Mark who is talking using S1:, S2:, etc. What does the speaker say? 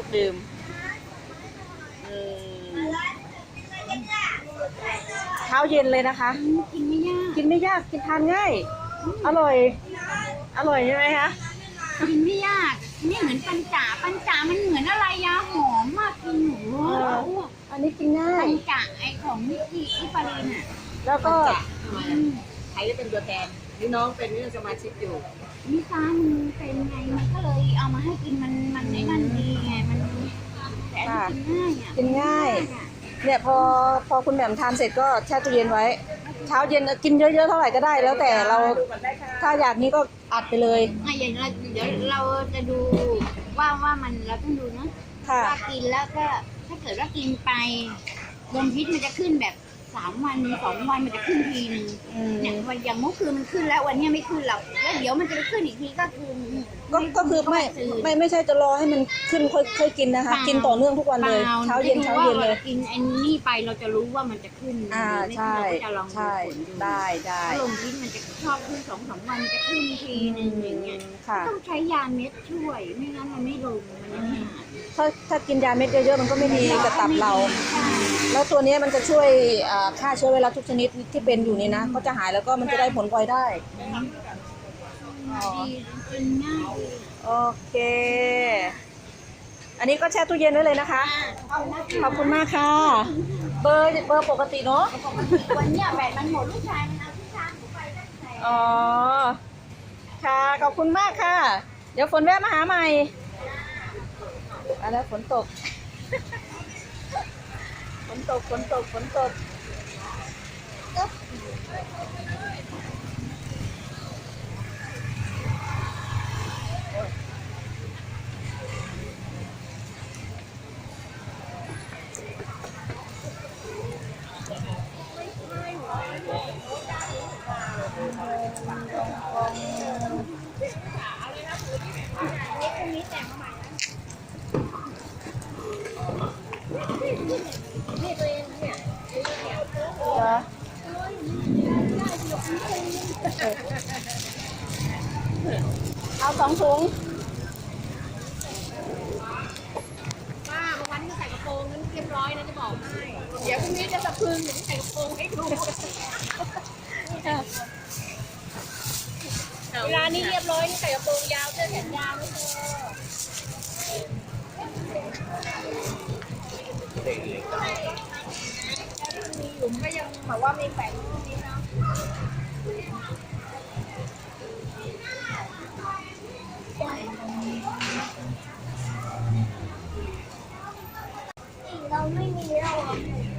S1: ดื่มเช้าเย็นเลยนะคะ
S2: กินไม่ยาก
S1: กินไม่ยากกินทานง่ายอร่อยอร่อยใช่ไหมคะ
S2: กินไม่ยากนี่เหมือนปัญจามันเหมือนอะไรยาหอมมากกินหนู
S1: อันนี้กินง่าย
S2: ปัญจาไอของนิกิอิปารินอ่ะ
S1: แล้วก็
S3: ใครจะเป็นตัวแทนนี่น้องเป็นนี่สมาชิกอยู่
S2: นิซามันเป็นไงมันก็เลยเอามาให้กินมันในนั่นดีไงมันแต่อันนี้กินง่ายอ่ะ
S1: กินง่ายเนี่ยพอคุณแหม่มทานเสร็จก็แช่ตู้เย็นไว้เช้าเย็นกินเยอะๆเท่าไหร่ก็ได้แล้วแต่เราถ้าอยากนี้ก็อัดไปเลย
S2: อย่างเราเดี๋ยวเราจะดูว่ามันเราต้องดูนะว่ากินแล้วก็ถ้าเกิดว่ากินไปลมพิษมันจะขึ้นแบบ3 วัน2 วันมันจะขึ้นทีนึงเนี่ยวันอย่างเมื่อคืนมันขึ้นแล้ววันนี้ไม่ขึ้นหรอกแล้วเดี๋ยวมันจะไปขึ้นอีกทีก็คือ
S1: ไม่ใช่จะรอให้มันขึ้นค่อยกินนะคะกินต่อเนื่องทุกวันเลยเช้าเย็นเลย
S2: กินไอ้นี่ไปเราจะรู้ว่ามันจะขึ้น
S1: ใช่ใช่ได้
S2: ลมพิษมันจะชอบขึ้น2-3 วันมันจะขึ้นทีนึงอย่างเงี้ยต้องใช้ยาเม็ดช่วยไม่งั้นมันไม่ลงมันยังไม่หาย
S1: ถ้ากินยาเม็ดเยอะๆมันก็ไม่ดีกับตับเราแล้วตัวนี้มันจะช่วยฆ่าเชื้อไวรัสทุกชนิดที่เป็นอยู่นี่นะก็จะหายแล้วก็มันจะได้ผลพลอยได้
S2: กินง่าย
S1: โอเคอันนี้ก็แช่ตู้เย็นไว้เลยนะคะขอบคุณมากค่ะเบอร์ปกติเนาะ
S2: วันนี้แบตมันหมดลูกชายมันเอาที่ชาร์จหนูไปตั้งแต่
S1: อ๋อค่ะขอบคุณมากค่ะเดี๋ยวฝนแวะมาหาใหม่แล้วฝนตกฝนตกเอา2 ถุง
S3: ป้าวันนี้ใส่กระโปรงนั้นเรียบร้อยนะจะบอกให้เดี๋ยวพรุ่งนี้จะสะพึงหรือใส่กระโปรงให้ดูเวลานี้เรียบร้อยนี่ใส่กระโปรงยาวเสื้อแขนยาวไม่พอมีหลุมก็ยังแบบว่ามีแฝงตรงนี้นะ
S2: เราไม่มีแล้ว